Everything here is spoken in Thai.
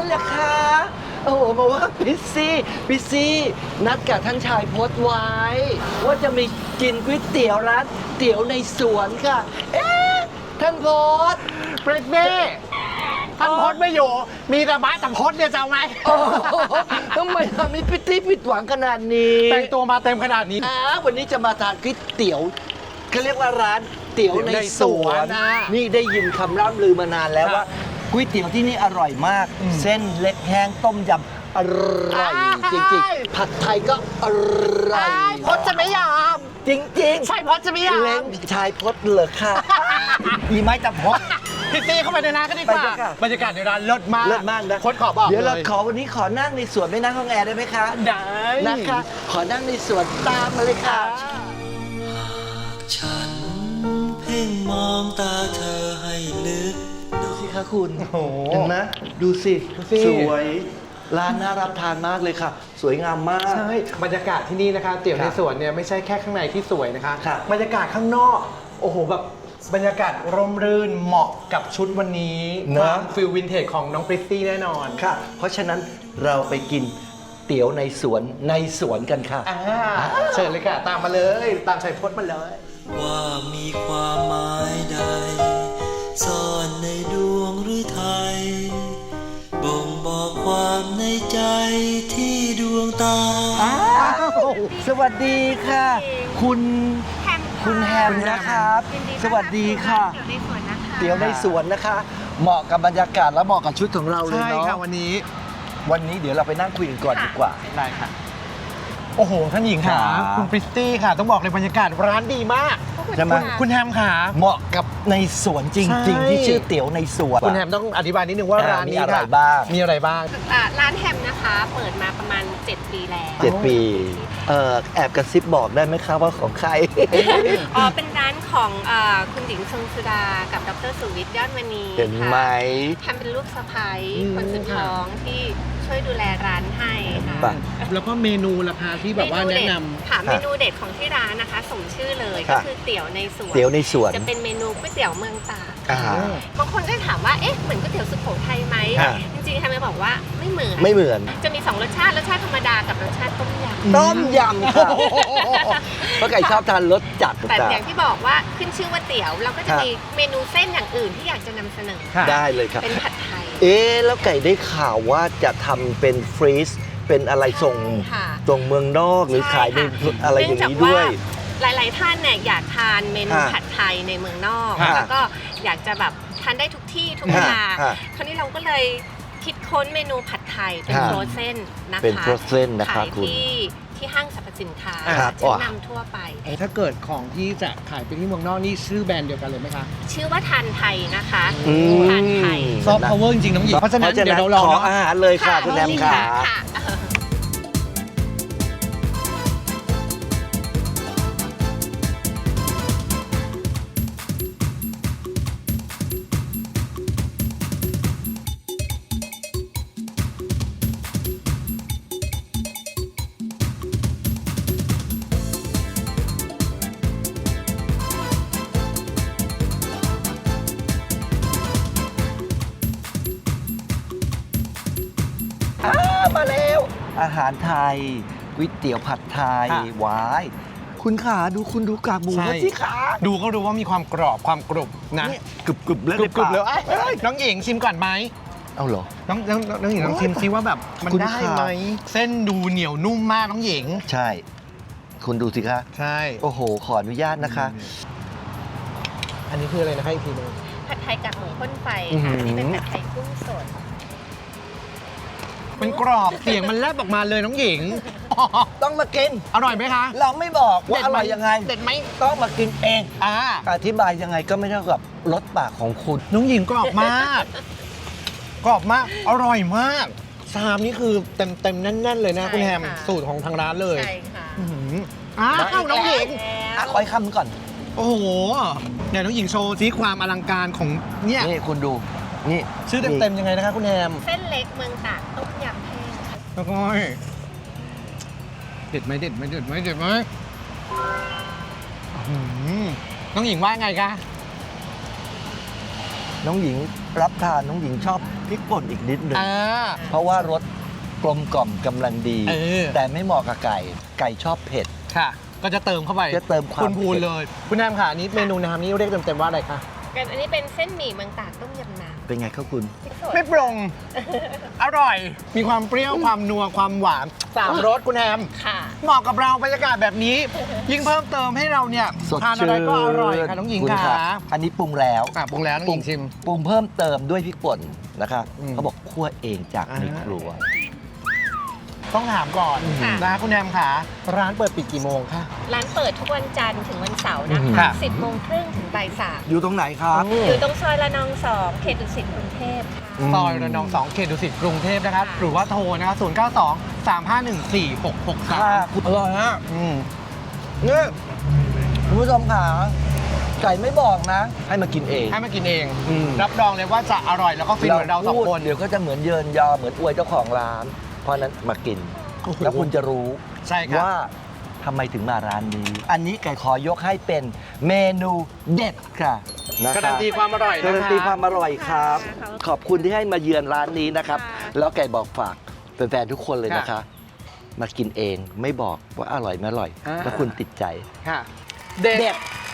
เหรอคะโอ้โหมาว่าพิซซี่นัดกับท่านชายพจน์ไว้ ว่าจะมีกินก๋วยเตี๋ยวร้านเตี๋ยวในสวนค่ะ เอ๊ะท่านพจน์เฟรดเน่ท่านพจน์ไม่อยู่ มีแต่บ้าแต่พจน์เนี่ยจะเอาไงโอ้โหทำไมทำให้พิตตี้ผิดหวังขนาดนี้แต่งตัวมาเต็มขนาดนี้วันนี้จะมาทานก๋วยเตี๋ยวเขาเรียกว่าร้านเตี๋ยวในสวน นี่ได้ยินคำร่ำลือมานานแล้วว่าก๋วยเตี๋ยวที่นี่อร่อยมาก เส้นเล็กแห้งต้มยำอร่อยจริงๆผัดไทยก็อร่อยพจน์จะไม่ยอมจริงๆใช่พจน์จะไม่ยอมเล้งชายพจน์เหรอค่ะมีไม้จับพจน์พี่ตีเข้าไปในร้านกันดีกว่าไปค่ะบรรยากาศในร้านเลิศมากเลิศมากนะพจน์ขอบอกเดี๋ยวเราลขอวันนี้ขอนั่งในสวนไม่นั่งห้องแอร์ได้ไหมคะได้นะคะ ขอนั่งในสวนตามมาเลยค่ะฉันเพ่งมองตาเธอให้ลึกดูสิคะคุณโอ้โหเห็นไหมดูสิดูสิสวยร้านน่ารับทานมากเลยค่ะ สวยงามมากใช่บรรยากาศที่นี่นะคะเตี๋ยวในสวนเนี่ยไม่ใช่แค่ข้างในที่สวยนะคะครับบรรยากาศข้างนอกโอ้โหแบบบรรยากาศร่มรื่นเหมาะกับชุดวันนี้ความฟิลวินเทจของน้องปริตตี้แน่นอนค่ะ เพราะฉะนั้นเราไปกินเตี๋ยวในสวนกันค่ะเชิญเลยค่ะ ตามมาเลยตามชัยพจน์มาเลยว่ามีความหมายใด ซ่อนในดวงหรือไทย บ่งบอกความในใจที่ดวงตาสวัสดีค่ะ คุณแฮมคุณแฮมนะครับยินสวัสดีค่ะเตี๋ยวในสวนนะคะเตี๋ยวในสวนนะคะ เหมาะกับบรรยากาศและเหมาะกับชุดของเราเลยใช่เนาะค่ะวันนี้วันนี้เดี๋ยวเราไปนั่งคุยกันก่อนดีกว่าได้ค่ะ โอ้โห ท่านหญิงค่ะครับคุณปริตตี้ค่ะ ต้องบอกเลยบรรยากาศร้านดีมากใช่ไหมคุณแฮมค่ะเหมาะกับในสวนจริงใช่ๆ ที่ชื่อเตี๋ยวในสวนคุณแฮมต้องอธิบายนิดนึงว่าร้านนี้มีอะไรค่ะบ้างมีอะไรบ้างร้านแฮมนะคะ เปิดมาประมาณ 7 ปีแล้ว 7 ปีแอบกระซิบบอกได้ไหมครับว่าของใครอ๋อ เป็นร้านของคุณหญิงทรงสุดา กับดรสุวิทย์ยอดมณีเห็นไหมค่ะแฮมเป็นลูกสะใภ้อืมคนสุดท้องที่ช่วยดูแลร้านให้ค่ะป่ะแล้วก็เมนูราคาที่แบบว่าแนะนค่ะ เมนูเด็ดของที่ร้านนะคะสมชื่อเลยครัก็บคือเตี๋ยวในสวนเตี๋ยวในสวนจะเป็นเมนูก๋วยเตี๋ยวเมืองตากอ่าบางคนก็ถามว่า เอ๊ะ เหมือนก๋วยเตี๋ยวสุโขทัยไหมอ่าจริงๆแฮมจะบอกว่าไม่เหมือนไม่เหมือนจะมี 2 รสชาติ รสชาติธรรมดากับรสชาติต้มยำต้มยำค่ะเพราะไก่ชอบทานรสจัดแต่จ้ะอย่างที่บอกว่าขึ้นชื่อว่าเตี๋ยว เราก็จะครับมีเมนูเส้นอย่างอื่นที่อยากจะนำเสนอค่ะได้เลยครับเป็นผัดไทยเอ๊ะแล้วไก่ได้ข่าวว่าจะทำเป็นฟรีซเป็นอะไรส่งค่ะส่งเมืองนอกหรือขายในใช่ค่ะอะไรอย่างนี้ด้วยเนื่องจากว่าหลาย ๆ ท่านเนี่ยอยากทานเมนูฮะผัดไทยในเมืองนอกฮะแล้วก็อยากจะแบบทานได้ทุกที่ทุกเวลาฮะคราวนี้เราก็เลยคิดค้นเมนูผัดไทยเป็นฮะโฟรเซนนะคะเป็น frozen นะครับขายคุณที่ห้างสรรพสินค้าครับชั้นนำทั่วไปถ้าเกิดของที่จะขายไปที่เมืองนอกนี่ชื่อแบรนด์เดียวกันเลยไหมคะชื่อว่าทานไทยนะคะอืมทานไทยซอฟต์พาวเวอร์จริงๆน้องหญิงเพราะฉะนั้นเดี๋ยวเราลองขอเนาะอาหารเลยค่ะคุณแอมค่ะค่ะมาแล้ว อาหารไทยก๋วยเตี๋ยวผัดไทยค่ะหวาย คุณขาคุณดูกากหมูใช่เขาสิขาดูก็รู้ว่ามีความกรอบความกรุบนะเนี่ยกรึบๆแล้วกรุบๆเลยเอ้ยน้องหญิงชิมก่อนไหมเอาเหรอน้องหญิงลองชิมซิว่าแบบมันคุณได้ค่ะไหมเส้นดูเหนียวนุ่มมากน้องหญิงใช่ คุณดูสิคะใช่โอ้โห ขออนุญาตนะคะอันนี้คืออะไรนะคะอีกทีหนึงผัดไทยกากหมูข้นไฟอื้อหืค่ะอนี่เป็นผัดไทยกุ้งสดมันกรอบเสียงมันแลบออกมาเลยน้องหญิงต้องมากินอร่อยไหมคะเราไม่บอกว่าอร่อยยังไงเด็ดไหมต้องมากินเองอ่าอธิบายยังไงก็ไม่เท่ากับรสปากของคุณน้องหญิงกรอบมาก กรอบมาก อร่อยมากชามนี่คือเต็มแน่นๆเลยนะใช่คุณแฮมค่ะสูตรของทางร้านเลยใช่ค่ะอื้อหืออ้าวน้องหญิงอ่ะขออีกคำก่อนโอ้โหเดี๋ยวน้องหญิงโชว์ซิความอลังการของเนี่ยนี่คุณดู นี่ชื่อเต็มๆยังไงนะคะคุณแฮมเส้นเล็กเมืองตากต้มยำแห้งค่ะแล้วก็เด็ดไหมเด็ดไหมเด็ดไหมเด็ดไหมอื้อหือน้องหญิงว่าไงคะน้องหญิงรับทานน้องหญิงชอบพริกป่นอีกนิดหนึงอ่าเพราะว่ารสกลมกล่อมกำลังดีเออแต่ไม่เหมาะกับไก่ ไก่ชอบเผ็ดค่ะ ก็จะเติมเข้าไปจะเติมความพูนเผ็ดๆเลย คุณแอมค่ะอันนี้เมนูน้ำนี้เรียกเต็มๆว่าอะไรคะกันอันนี้เป็นเส้นหมี่เมืองตากต้มยำน้ำเป็นไงครับคุณพริกสดไม่ปรุง อร่อย มีความเปรี้ยว ความนัว ความหวานสามรสคุณแอมค่ะเหมาะกับเราบรรยากาศแบบนี้ ยิ่งเพิ่มเติมให้เราเนี่ยสดทานอะชื่นไรก็อร่อยค่ะน้องหญิงคุณค่ะรับอันนี้ปรุงแล้วปรุงแล้วน้องหญิงชิมปรุงเพิ่มเติมด้วยพริกป่นนะคะอืมเขาบอกคั่วเองจากในครัวต้องถามก่อนค่ะนะคุณแอมค่ะ ร้านเปิดปิดกี่โมงคะร้านเปิดทุกวันจันทร์ถึงวันเสาร์นะอืมคะค่ะ 10 โมงครึ่งถึงบ่ายอยู่ตรงไหนครับ 3อยู่ตรงซอยละนอง 2 เขตดุสิตกรุงเทพค่ะซอยระนอง 2 เขตดุสิตกรุงเทพนะครับ หรือว่าโทรนะครับ092 351 4663 อร่อยฮะนี่คุณผู้ชมค่ะไก่ไม่บอกนะ ให้มากินเองให้มากินเองอืมรับรองเลยว่าจะอร่อยแล้วก็ฟินเหมือนเราสองพูดคนเดี๋ยวก็จะเหมือนเยินยอเหมือนอวยเจ้าของร้าน เพราะฉะนั้นมากินโอ้โหแล้วคุณจะรู้ใช่ครับว่าทำไมถึงมาร้านนี้ อันนี้ไก่ขอยกให้เป็นเมนูเด็ดค่ะนะการันตีความอร่อยนะคะการันตีความอร่อยครับค่ะขอบคุณที่ให้มาเยือนร้านนี้นะครับค่ะแล้วไก่บอกฝากแฟนๆทุกคนเลยนะคะ มากินเองไม่บอกว่าอร่อยไม่อร่อย แล้วคุณติดใจค่ะ เด็ด